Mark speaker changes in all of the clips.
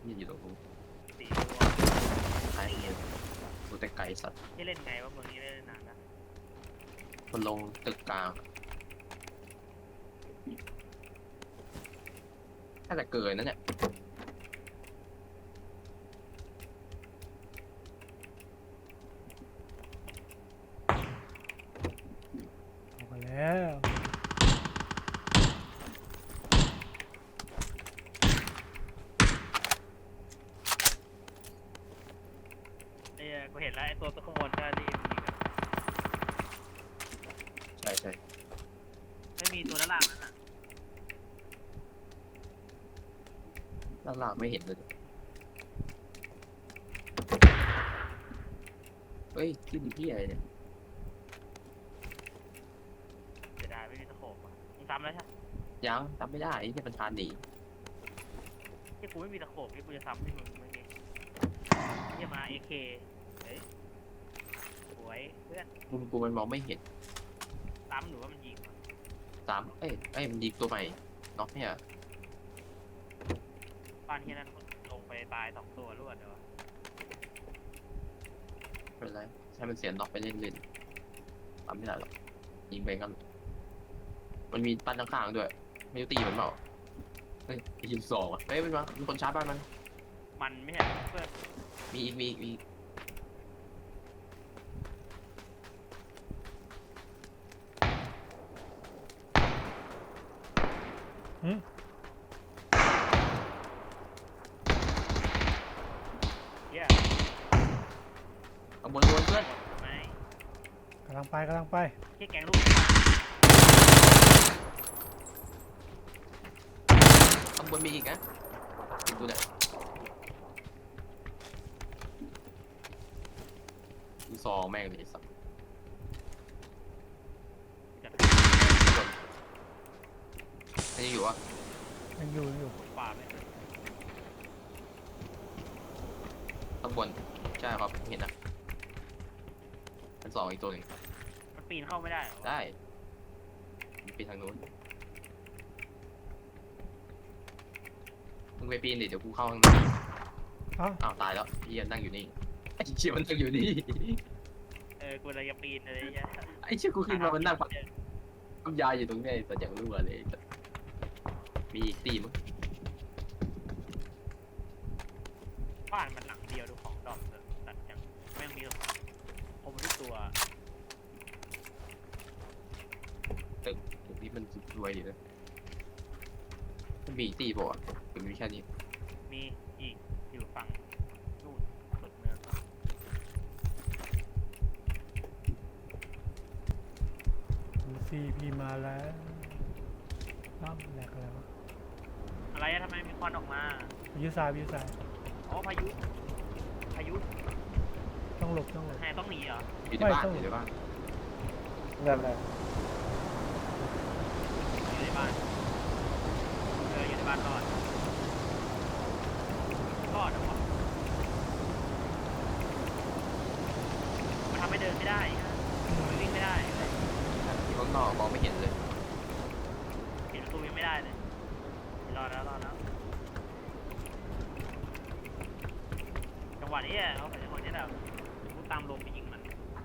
Speaker 1: นี่อยู่ตรงนู้น
Speaker 2: สี่ตัว
Speaker 1: ท้ายเงี้ยดูแต่ไกลสัตว์
Speaker 2: ที่เล่นไงว่าเมืองนี้เล่นนานนะ
Speaker 1: มันลงตึกกลางถ้าจะเกินนั่นเนี่ย
Speaker 3: ออกมาแล้ว
Speaker 2: ไอ้กูเห็นแล้วไอ้ตัวข้างบนก็รีบยิงอะ
Speaker 1: ใช่ใช่
Speaker 2: ไม่มีตัวด้านล่างนั้นอ่ะ
Speaker 1: ด้านล่างไม่เห็นเลยเฮ้ยขึ้นที่อะไรเนี่ย
Speaker 2: เสียดายไม่มีตะโขบอ่ะมึงซ้ำแล้วใช่ไหม
Speaker 1: ยังทำไม่ได้ไอ้เนี่ยมันทานหนี
Speaker 2: ที่กูไม่มีตะโขบที่กูจะซ้ำที่มึงเมื่อกี้เยี่ยมาเอเคเฮ้ยสวยเพื่อน
Speaker 1: มุมกูมันมองไม่เห็น
Speaker 2: ซ้ำหรือว่ามันยิงวะ
Speaker 1: เอ้ยมันยิงตัวใหม่น็อกเนี่ย
Speaker 2: บ้านที่นั่นลงไปตาย2 ตัวรวดเลยวะ
Speaker 1: ไม่เป็นไรใช้มันเสียน็อกไปเล่นๆทำไม่ได้หรอกยิงไปกันมันมีปั้นข้างๆด้วยไม่รู้ตีมันเปล่าเฮ้ยไอ้ยิงสองอ่ะเฮ้ยมันมามีคนชาร์จบ้านมัน
Speaker 2: มันไม่ใช่เพื่อน
Speaker 1: มีอีก
Speaker 2: เยี่ย
Speaker 1: ข้างบนเพื่อน
Speaker 2: ไม่
Speaker 3: กำลังไป
Speaker 2: แค่แกงลูก
Speaker 1: ข้างบนมีอีกนะดูเนี่ยดูซองแม่งเลยไอ้สัส
Speaker 2: จัด
Speaker 1: อันนี้อยู่วะ
Speaker 3: ยังอยู่
Speaker 2: ป่าไม่
Speaker 1: ข้างบนใช่ครับเห็นนะอันสองอีกตัวหนึ่ง
Speaker 2: มันปีนเข้าไม่ได้เหรอวะ
Speaker 1: ได้มันปีนทางนู้นมึงไปปีนดิเดี๋ยวกูเข้าข้างใน
Speaker 3: เอ้า
Speaker 1: อ้าวตายแล้วพี่ยังนั่งอยู่นี่ไอ้เชี่ยมันนั่งอยู่นี่
Speaker 2: กูเลยจะปีนอะไรเงี้ย
Speaker 1: ไอ้เชี่ยกูขึ้นมามันนั่งพักน้ำยาอยู่ตรงนี้แต่อย่างรู้อะไรมีอีกตีมั้ง
Speaker 2: บ้านมันหลังเดียวดูของดอกเถอะตัดอย่างแม่งมีหรอกผมทุกตัว
Speaker 1: ตึกนี้มันรวยอยู่นะมันมีอีกตีป่ะหรือมีแค่นี้
Speaker 2: มีอีกอยู่ฝั่งนู่นสุดเมือง
Speaker 3: ดูซีพีมาแล้วอ้าวแหลกแล้ว
Speaker 2: อะไรอะทำไมมีควันออกมา
Speaker 3: วิวซ้าย
Speaker 2: อ๋อพายุ
Speaker 3: ต้องหลบ
Speaker 2: แหต้องหนีเหรอ
Speaker 1: อยู่ในบ้าน
Speaker 3: ไม่ต้อง
Speaker 1: อยู่ในบ้าน
Speaker 2: อยู่ในบ้านอยู่ในบ้านรอดเหรอวะมันทำให้เดินไม่ได้ฮะมันวิ่งไม่ได้
Speaker 1: อยู่ข้างนอกมองไม่เห็นเลย
Speaker 2: เห็นประตูยังไม่ได้เลยรอดแล้วจังหวะนี้เขาเป็นคนที่แบบกูตามลมไปยิงมัน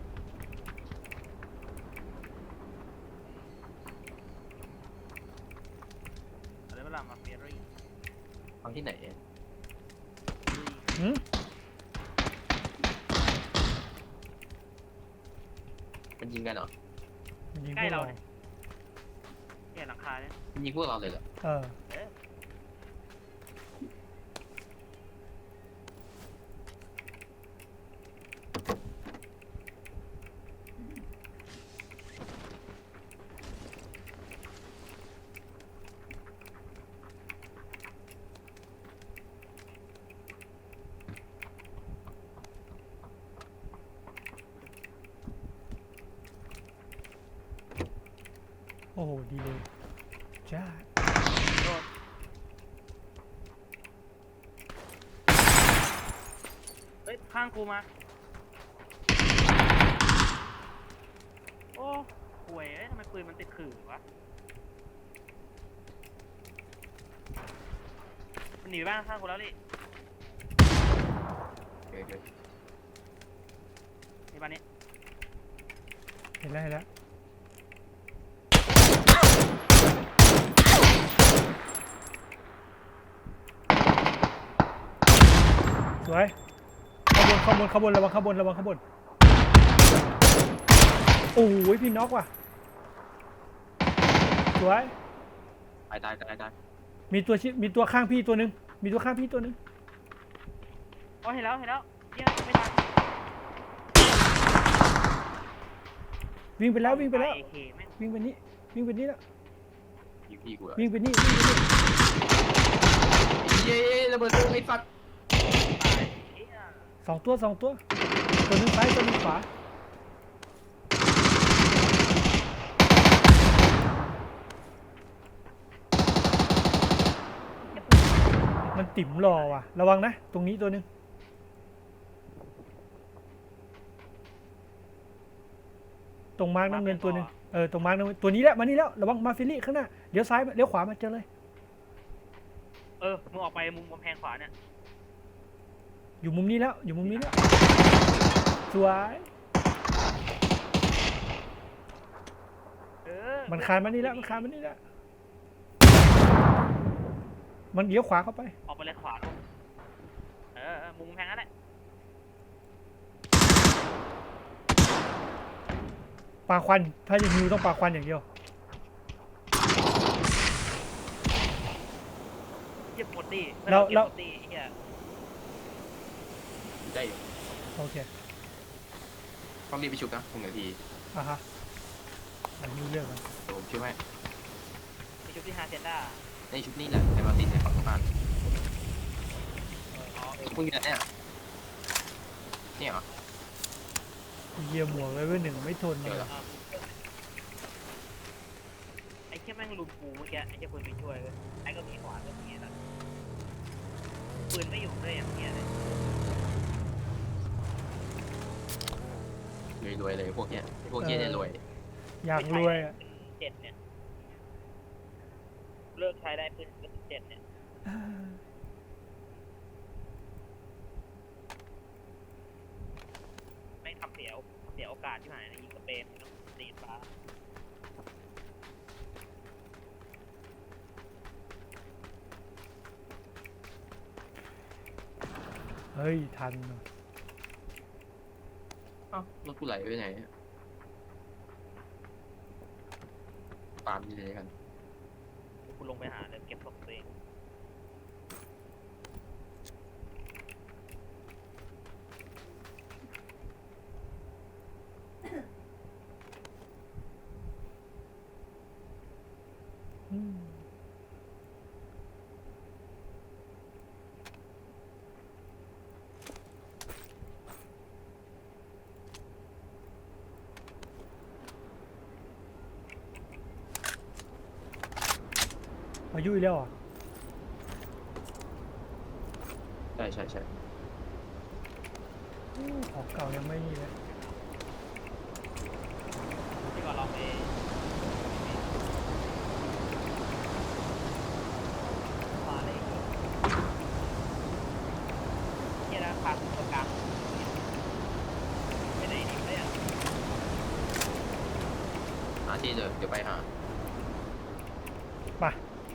Speaker 2: อะไรเวลามาเฟียรี่
Speaker 1: ทำที่ไหน
Speaker 3: หืม
Speaker 1: มันยิงกันเหรอ
Speaker 3: มันยิงพ
Speaker 2: ใกล้ว
Speaker 3: ก
Speaker 2: เรา
Speaker 3: เรา
Speaker 2: เนี่ยหลังคาเนี่ย
Speaker 1: มันยิงพวกเราเลยเหรอ
Speaker 3: เออ โอ้โห ดีเลยจ้า
Speaker 2: เฮ้ยข้างกูมาโอ้ห่วยทำไมปืนมันติดขื่อวะมันหนีไปบ้านข้างกูแล้วดิ
Speaker 1: เดี๋ยว
Speaker 2: ในบ้านนี้
Speaker 3: เห็นแล้วเห็นแล้วสวยข้างบนข้างบนระวังข้างบนระวังข้างบนโอ้ยพี่น็อกว่ะสวย
Speaker 1: ตาย
Speaker 3: มีตัวข้างพี่ตัวหนึ่งมีตัวข้างพี่ตัวหนึ่ง
Speaker 2: อ๋อเห็นแล้วเนี่ยไม่ทัน
Speaker 3: วิ่งไปแล้ววิ่งไปแล้ว
Speaker 2: AK แม่ง
Speaker 3: วิ่งไปนี่วิ่งไปนี่แล้ว
Speaker 1: ยิงพี่กู
Speaker 3: วิ่งไปนี่วิ่งไปนี่
Speaker 1: เย้ระเบิดไอ้สัตว์
Speaker 2: ตายเหี้ย
Speaker 3: สองตัวตัวหนึงซ้ายตัวหนึงขวามันติ่มรอว่ะระวังนะตรงนี้ตัวหนึงตรงมาร์กน้ำเงินตัวหนึงตรงมาร์กน้ำเงินตัวนี้แหละมานี่แล้วระวังมาฟิลี่ข้างหน้าเลี้ยวซ้ายเลี้ยวขวามาเจอเลย
Speaker 2: มึงออกไปมุมกำแพงขวาเนี่ย
Speaker 3: อยู่มุมนี้แล้วอยู่มุมนี้แล้วสวย มันคานมานี่แล้วมันคานมานี่แล้วมันเลี้ยวขวาเข้าไป
Speaker 2: ออกไปเลยขวาลงมุมกำแพงนั่นแหละ
Speaker 3: ปาควันถ้าจะฮิวต้องปาควันอย่างเดียว
Speaker 2: เก็บหมดดิ
Speaker 3: แล้ว
Speaker 2: เก็บหมดดิไอ้เหี้ย
Speaker 1: ได้อยู่
Speaker 3: โอเค
Speaker 1: ต้องรีบไปชุบนะ1 นาที
Speaker 3: อ่ะฮะอันนี้เรื่องมัน
Speaker 1: เดี๋ยวผมช่วยให้
Speaker 2: ไปชุบที่ฮาเซนด้า
Speaker 1: ในชุดนี้แหละในมาตินในฝั่งตรงข้าม
Speaker 2: อ๋อ
Speaker 1: มึงอยู่ไหนเนี่ยเหรอ
Speaker 3: เหยียบหมวกเลยเว้ยหนึ่งไม่ทน
Speaker 1: เจอ
Speaker 3: เล
Speaker 1: แล้
Speaker 3: ยว
Speaker 2: ไอ้แค่แม่งลุมกูเมื่อกี้ไอ้เจ้าปืนไปช่วยเลยไอ้ก็มีขวานก็มีนะปืนไม่อยู่ด้วยอย่างเงี้ยเลย
Speaker 1: รวยเลยพวกเนี้ยเนี่ยรวย
Speaker 3: อยากรวยอ่ะ
Speaker 2: 7เนี่ยเลิกใช้ได้ปืนเป็น7เนี่ยไม่ทำเสียโอกาสที่หายนะยิงกระเปนต้องตีฟ้า
Speaker 3: เฮ้ยทันว่ะ
Speaker 1: เอ้ารถกูไหลไปไหนตามนี่เลยกัน
Speaker 2: กูลงไปหาเลยเก็บศพตัวเอง
Speaker 3: อืมอายุอีกแล้วอ่ะ
Speaker 1: ใช่
Speaker 3: ของเก่ายังไม่นี่เลย
Speaker 2: ที่ก่อนเราไปมาเลยเฮียราคาตัวกลางไปไหนดีเนี่ย
Speaker 1: หาที่เดี๋ยวไปหา
Speaker 3: ไป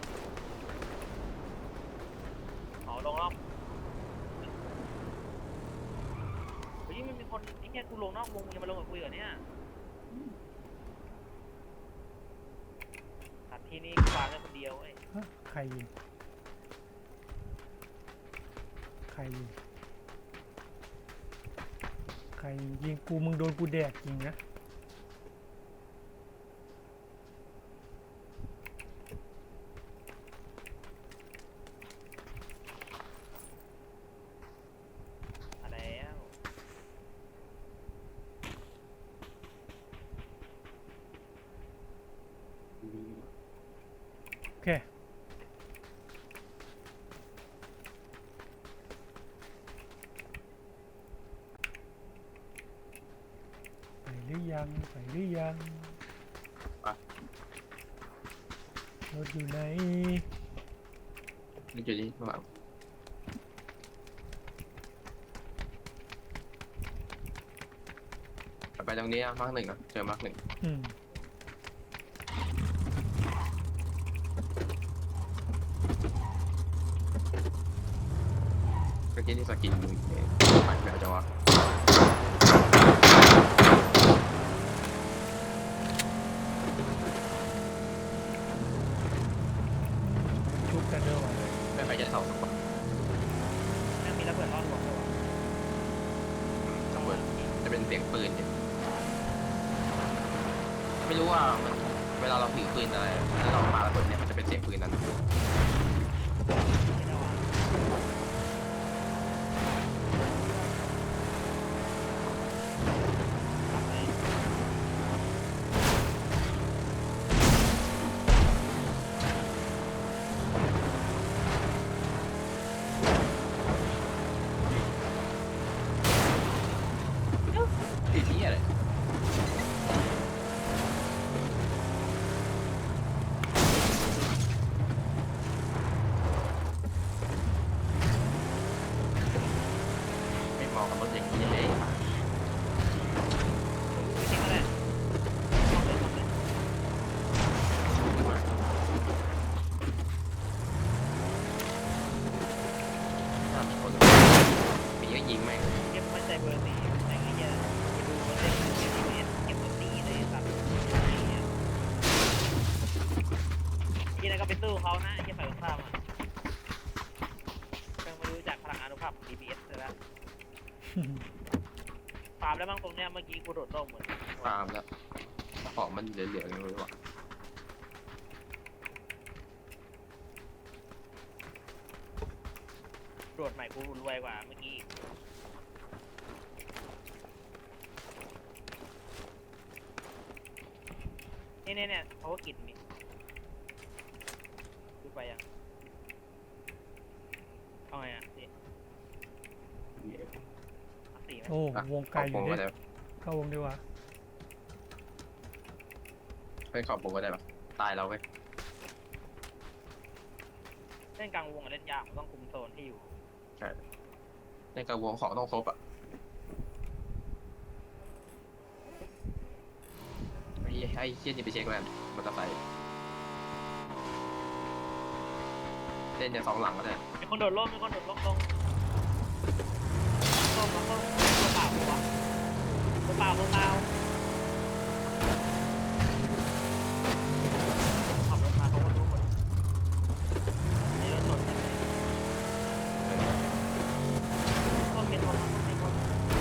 Speaker 2: เอาลงรอบเฮ้ยมันมีคนไอ้แค่กูลงนอกวงมึงจะมาลงกับกูเหรอเนี่ยตัดที่นี่กูวางได้คนเดียวเว้ย
Speaker 3: ฮะใครยิงใครยิงใครยิงกูมึงโดนกูแดกจริงนะ
Speaker 2: อะไรแล้ว
Speaker 3: โอเคไปหรือยังรถอยู่ไหน
Speaker 1: นี่จุดนี้ระหว่างตรงนี้อะมาร์กหนึ่งอะเจอมาร์กหนึ่ง
Speaker 3: อืม
Speaker 1: เมื่อกี้ที่สกินมึงปัดแบบจังวะ
Speaker 3: ชุบกันเด้อวะ
Speaker 1: ไม่ไปจะเสาสักคน
Speaker 2: แม่งมีระเบิดรอดหัวด้วยวะ
Speaker 1: สักคนจะเป็นเสียงปืนเนี่ยไม่รู้ว่ามันเวลาเราถือปืนอะไรแล้วเราปาระเบิดเนี่ยมันจะเป็นเสียงปืนนั้น
Speaker 2: ไม่ได้วะ
Speaker 1: ไอ้ที่อะไรไม่เหมาะกับรถอย่างนี้เลย
Speaker 2: ไม่ทิ้งก็ได้ทำเลยทำเลย
Speaker 1: ถ้ามีคนมีก็ยิงแม่ง
Speaker 2: เก็บมันใจเบอร์สี่แต่งไอ้เหี้ยไปดูมันเล่นเก็บเก็บตัวตีเลยสัตว์ไอ้เหี้ยที่นั่นก็ไปสู้เขานะไอ้เหี้ยฝ่ายตรงข้ามอ่ะเพิ่งมารู้จักพลังอนุภาพของ DPS เลยละฟาร์มแล้วบ้างตรงเนี้ยเมื่อกี้กูโดดร่มเหมือน
Speaker 1: ฟาร์มแล้วของมันเหลือๆยังไม่รู้ว่า
Speaker 2: โดดใหม่กูรวยกว่าเมื่อกี้เนี่ยเขาก็กินนี่ดูไปยังเอาไงอ่ะนี่สี่ไหม
Speaker 3: โอ้วงไกลอยู่
Speaker 1: ก็
Speaker 3: เนี่ย
Speaker 1: ได้
Speaker 3: เข้าวงดีกว่า
Speaker 1: ไปขอบวงก็ได้ปะตายเราเว้ย
Speaker 2: เล่นกลางวงอะเล่นยากมันต้องคุมโซนที่อยู่
Speaker 1: ในกระวงของต้องครบอ่ะไอ้เชี่ยนี่ไปเช็คแล้วมอเตอร์ไซค์เล่นอย่างสองหลังก็ได้
Speaker 2: มีคนโดดร่มลงตัวเปล่าปะวะตัวเปล่าขับรถมาเขาก็รู้หมดในรถสดเลยก็เป็นคนไม่คน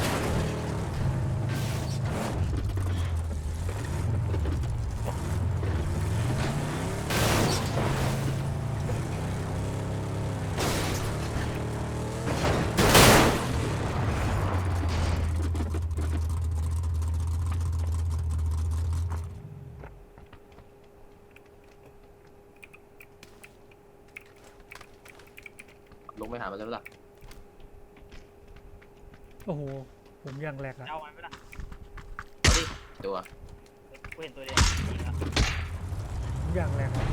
Speaker 1: ลงไปหามันแล้วล่ะ
Speaker 3: โอ้โหผมยังแหลกอะ
Speaker 2: เอาไว้ไหมล่ะ
Speaker 1: เอาดิตัว
Speaker 2: กูเห็นตัวเดียวยิงแล้ว
Speaker 3: ผมยังแหลกอะ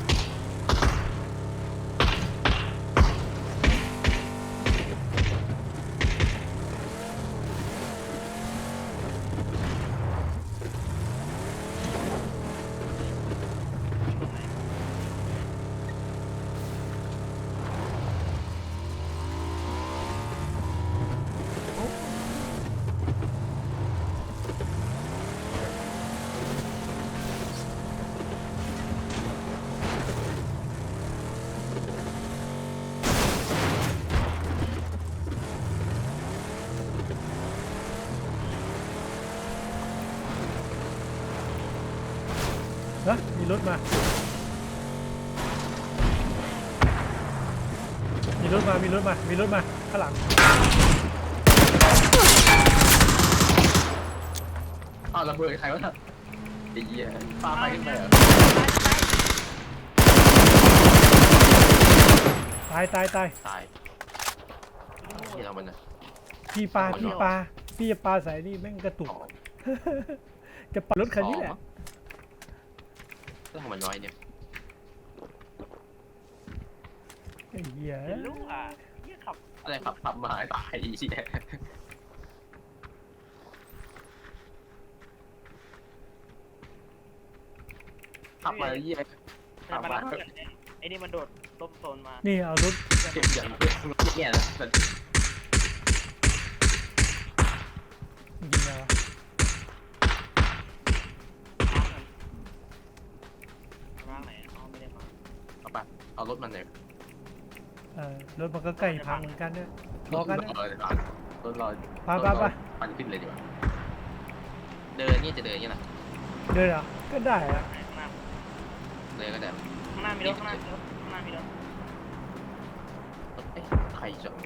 Speaker 2: ตรงไหน
Speaker 3: ฮะมีรถมา มีรถมาข้างหลัง
Speaker 1: อ้าวระเบิดใครวะน่ะไอ้เหี้ยปาไปขึ้นไปเหรอ
Speaker 3: ตาย
Speaker 1: ตายที่เรามันนะ
Speaker 3: พี่ปลาพี่จะปลาใส่นี่แม่งกระตุก
Speaker 1: ของ
Speaker 3: จะปลารถคันนี้แหละ
Speaker 1: แล้วทำมันน้อยเนี่ย
Speaker 3: ไอ้เหี้ย
Speaker 2: เป็นลูกอ่ะเหี้ยขับ
Speaker 1: อะไรขับมาตายไอ้เหี้ยขับมาเยี่ย
Speaker 2: แต่มารับเพื่อนเนี่ยไอ้นี่มันโดดล้มโซนมา
Speaker 3: นี่เอารถ
Speaker 1: เก็บอย่างเพื่อนเนี่ยนะแต่
Speaker 3: ยิงแล้วะ
Speaker 2: มาไหนอ๋อไม่ได้มา
Speaker 1: เอาไปเอารถมันเลย
Speaker 3: รถมันก็ใกล้พังเหมือนกันเนี่ยรอกันนะ
Speaker 1: รถรอ
Speaker 3: ไปไปไป
Speaker 1: ปั่นขึ้นเลยดีกว่าเดินนี่จะเดินนี่แหละ
Speaker 3: เดินเหรอก็ได้อะ
Speaker 2: ข้างหน้า
Speaker 1: เดินก็ได้
Speaker 2: ข้างหน้ามีรถข้างหน้ามีรถข้างหน้ามีรถ
Speaker 1: เอ๊ะใครจะ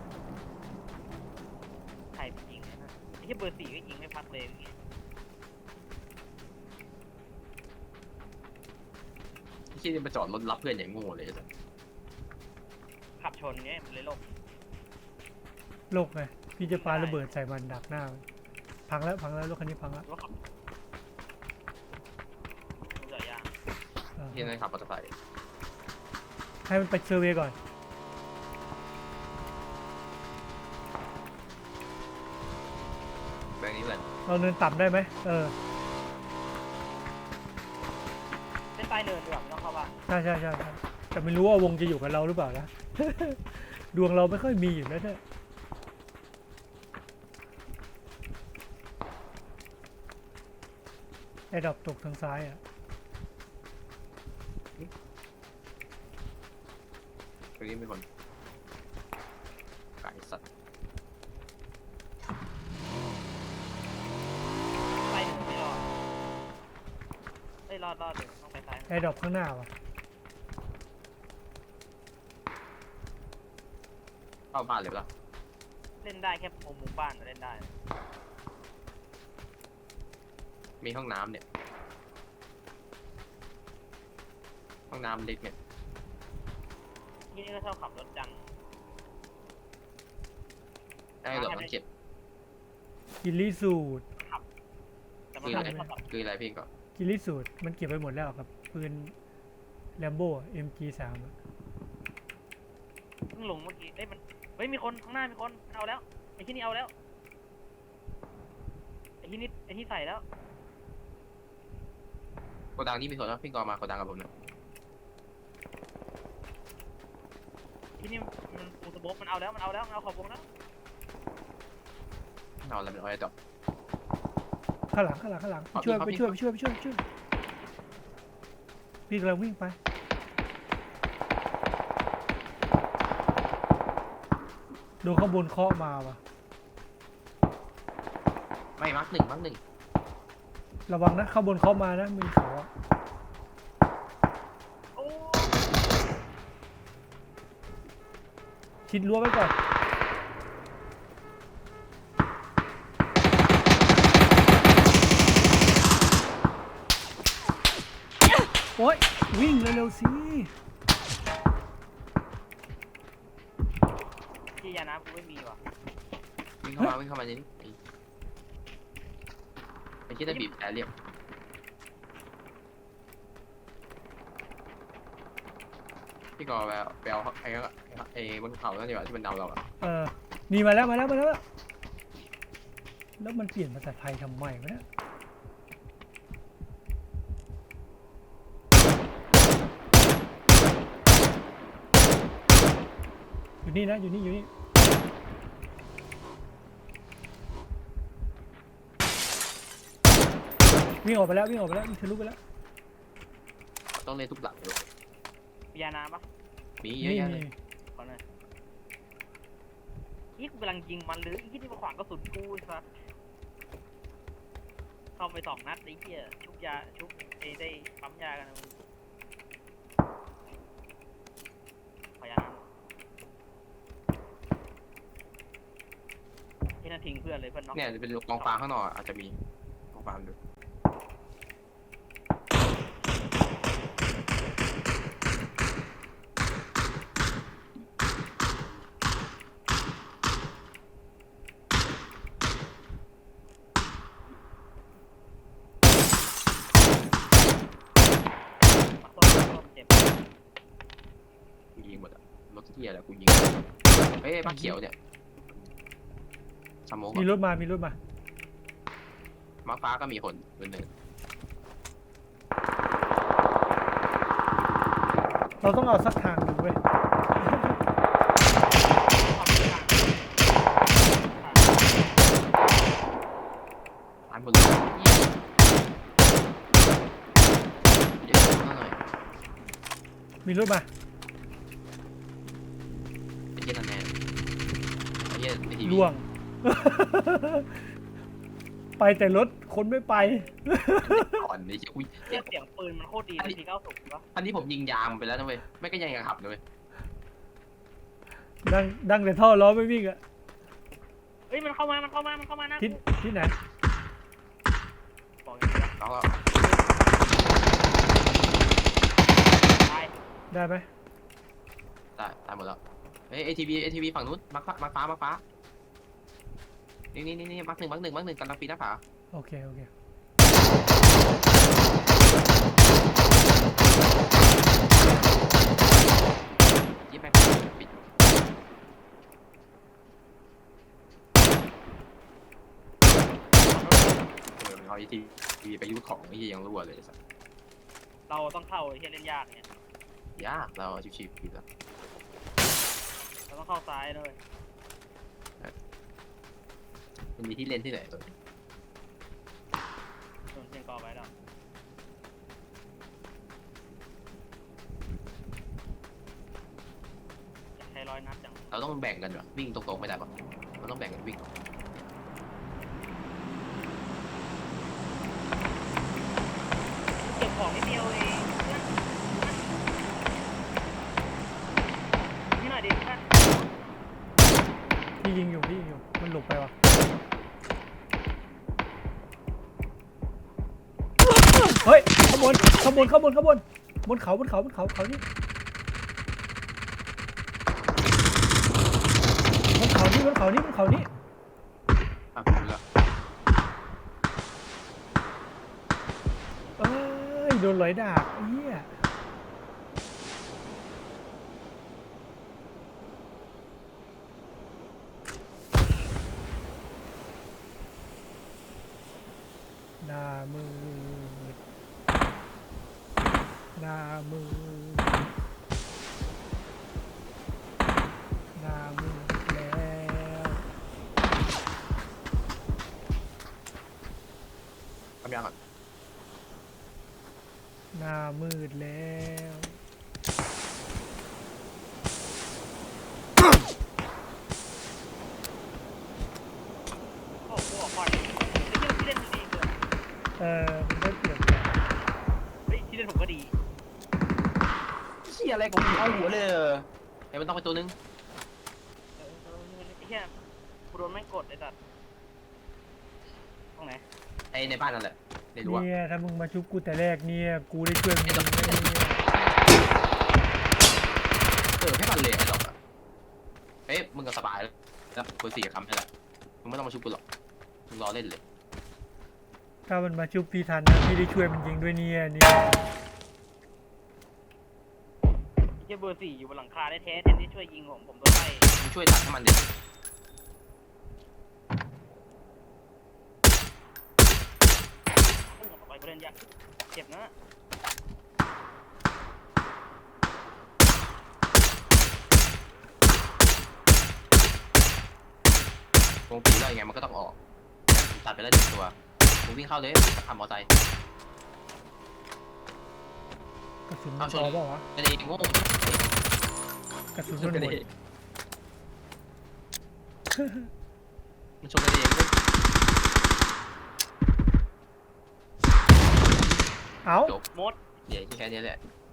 Speaker 2: ใครไปยิงเนี่ยนะไอ้ที่เบอร์4ก็ยิงไม่พักเลยอย่างเงี้ย
Speaker 1: ที่มาจอดรถรับเพื่อนอย่างโง่เลยจ้ะ
Speaker 2: ขับชนเงี้ยมันเลยลบ
Speaker 3: โลกไงพี่จะปาระเบิดใส่มันดักหน้ามันพังแล้วรถคันนี้พังแล้ว
Speaker 2: รถขับรถจอดยาง
Speaker 1: ที่นั่นขับมอเตอร์ไซค์
Speaker 3: ให้มันไปเซอร์เวย์ก่อน
Speaker 1: แบบนี้เลย
Speaker 3: เราเนินต่ำได้ไหม
Speaker 2: เส้นใต้เนินดีกว่าไม่ต้องเข้าบ้าน
Speaker 3: ใช่แต่ไม่รู้ว่าวงจะอยู่กับเราหรือเปล่านะ ดวงเราไม่ค่อยมีอยู่แล้วเนี่ยไอ้ดอกตกทางซ้ายอ่ะ
Speaker 1: ตรงนี้มีคนไก่สัตว์
Speaker 2: ใต้เนินไม่รอดเอ้ยรอดเดี๋ยวต้องไปซ้าย
Speaker 3: ไอ้ดอกข้างหน้าว่ะ
Speaker 1: เข้าบ้านเลยปะล่ะ
Speaker 2: เล่นได้แค่มุมบ้านเล่นได้
Speaker 1: มีห้องน้ำเนี่ยห้องน้ำเล็กเนี่ย
Speaker 2: ที่นี่ก็ชอบขับรถจัง
Speaker 1: ได้หรอมันเก็บ
Speaker 3: กิลลี่สูตร
Speaker 2: แต่มัน
Speaker 1: คือ
Speaker 2: ขั
Speaker 1: อะ
Speaker 2: บ
Speaker 1: ไร
Speaker 2: ไม่ค่อย
Speaker 1: คืออะไรพี่ก็
Speaker 3: กิลลี่สูตรมันเก็บไปหมดแล้วกับปืนแลมโบ้ MG3 อะ
Speaker 2: เพิ่งลงเมื่อกี้เอ้ยมันเฮ้ยมีคนข้างหน้ามีคนเอาแล้วไอ้ที่นี่เอาแล้วไอ้ที่ใส่แล้ว
Speaker 1: โกดังนี่มีคนแล้วพี่ก็มาโกดังกับผมนะ
Speaker 2: ที่นี่มันปูสโบ๊มันเอาแล้วมันเอาขอบวงแล้ว
Speaker 1: เอาอะไรเป็นอ้อยดอก
Speaker 3: ข้างหลังไปช่วยพี่กำลังวิ่งไปโดนข้างบนเคาะมาว่ะ
Speaker 1: ไม่มักหนึ่ง
Speaker 3: ระวังนะข้างบนเคาะมานะมีเขาอะ
Speaker 2: โอ้
Speaker 3: ชิดรั้วไว้ก่อนโอ๊ยวิ่งเร็วๆสิ
Speaker 2: ที่ยาน้ำกูไม่มีว่ะ
Speaker 1: วิ่งเข้ามานี่ไอ้ที่ได้บีบแต่เรียบพี่ก็ไปเอาไอ้บนเขานั่นดีกว่าที่มันเดาเราอะ
Speaker 3: นี่มาแล้วแล้วมันเปลี่ยนภาษาไทยทำไมวะเนี่ยอยู่นี่นะอยู่นี่วิ่งออกไปแล้ววิ่งทะลุไปแล้ว
Speaker 1: ต้องเล่นทุกหลังเลย
Speaker 2: มียาน้ำปะ
Speaker 1: มีเยอะแยะเลย
Speaker 2: ขอหน่อยนี่กูกำลังยิงมันหรือไอ้ที่มาขวางกระสุนกูไอ้สัสเข้าไป2 นัดไอ้เหี้ยชุบได้ปั๊มยากันนะมึงขอยาน้ำที่นั่นทิ้งเพื่อนเลยเพื่อนน็อก
Speaker 1: เนี่ยจะเป็นกองฟางข้างนอกอาจจะมีกองฟางดู
Speaker 2: เจ็บ
Speaker 1: ยิงหมดอะรถที่อะไรกูยิงเฮ้ยบ้าเขียวเนี่ยสมอง
Speaker 3: มีรถมา
Speaker 1: ม้าฟ้าก็มีคนคนหนึ่ง
Speaker 3: เราต้องเอาสักทางหนึ่งเว้ย
Speaker 1: ตายหมดเลยเดี๋ยวหน่อย
Speaker 3: มีรถมา
Speaker 1: ไอ้เหี้ยนั่นแน่ไอ้เหี้ยไอ้ทีวี
Speaker 3: ล่วง ไปแต่รถคนไม่ไป
Speaker 1: ก่อนไอ้เหี้ยอุ้ย
Speaker 2: เสียงปืนมันโคตรดีเลยที90ปะ
Speaker 1: อันนี้ผมยิงยางมันไปแล้วนะเว้ยไม่ก็ยังขับเลยเว้ย
Speaker 3: ดังแต่ท่อล้อไม่วิ่งอะ
Speaker 2: เฮ้ยมันเข้ามานะ
Speaker 3: ที่ไหน
Speaker 2: บอกอย่างนี้
Speaker 1: แล้วก็
Speaker 2: ตาย
Speaker 3: ได้ไหม
Speaker 1: ตายหมดแล้วเฮ้ยไอทีวีฝั่งนู้นมาฟ้านี่มาร์คหนึ่งกำลังปีนหน้าผา
Speaker 3: โอเคโอเค
Speaker 1: ยิบไปปิดมันเอาไอทีวีไปยุทธของไอ้เหี้ยยังรั่วเลยสัส
Speaker 2: เราต้องเข้าไอ้เหี้ยเล่นยากเนี่ย
Speaker 1: ยากเราชิวๆอยู่แล้ว
Speaker 2: เราต้องเข้าซ้ายด้วย
Speaker 1: มันมีที่เล่นที่ไหนตัว
Speaker 2: โดนเชียงกอไว้แล้วอยากใช้100 นัดจัง
Speaker 1: เราต้องแบ่งกันเหรอวิ่งตรงๆไม่ได้ปะเราต้องแบ่งกันวิ่ง
Speaker 2: เก็บของนิดเดียวเองนี่หน่อยดิท่าน
Speaker 3: พี่ยิงอยู่มันหลบไปวะเฮ้ยขบวนบนเขานี่บนเขานี่
Speaker 1: อ่ะผมรู้แล้ว
Speaker 3: เอ้ยโดนไหลดาบเหี้ยหน้ามืดหน้ามืดหน้ามืดแล้ว
Speaker 1: ทำยังก่อน
Speaker 3: หน้ามืดแล้ว
Speaker 2: โอ้โหออกก่อนไอ้เหี้ยที่เล่นมันดีเกิน
Speaker 3: มันได้เปรียบ
Speaker 2: เฮ้ยที่เล่นผมก็ดี
Speaker 1: เชี่ยอะไรของมึงเอาหัวเลยไอ้มันต้องไปตัวนึง
Speaker 2: ไอ้เหี้ยกูโดนแม่งกดไอ้สัตว์ตรงไหน
Speaker 1: ไอ้ในบ้านนั่นแหละในรั้ว
Speaker 3: เนี่ยถ้ามึงมาชุบกูแต่แรกเนี่ยกูได้ช่วยมึงเนี่ย
Speaker 1: ให้มันเลยไอ้ดอกอะเฮ้ยมึงก็สบายแล้วคน4คำให้ละมึงไม่ต้องมาชุบกูหรอกมึงรอเล่นเลย
Speaker 3: ถ้ามันมาชุบพี่ทันนะพี่ได้ช่วยมันยิงด้วยเนี่ย
Speaker 2: ไอ้เหี้ยเบอร์ 4อยู่บนหลังคาได้แท้แทนที่ช่วยยิงผมโดนไล่
Speaker 1: มึงช่วยตัดให้มันดิ
Speaker 2: พุ่งออกไปกูเล่นยากเจ็บนะ
Speaker 1: วงปีแล้วยังไงมันก็ต้องออกตัดไปแล้ว1 ตัวมึงวิ่งเข้าเลยทำมอไซค์
Speaker 3: กระสุน
Speaker 1: เอา
Speaker 3: มัน
Speaker 1: ช
Speaker 3: พ
Speaker 1: น
Speaker 3: อเปล่าวะ
Speaker 1: ไม่ได้โง่
Speaker 3: กระสุน
Speaker 1: ช
Speaker 3: มัน น
Speaker 1: กัน
Speaker 3: หมด
Speaker 1: เองมันชนกันเองเลย
Speaker 3: เอ้า
Speaker 1: จบ
Speaker 2: มด
Speaker 1: เดี๋ยวที่แค่นี้แหละ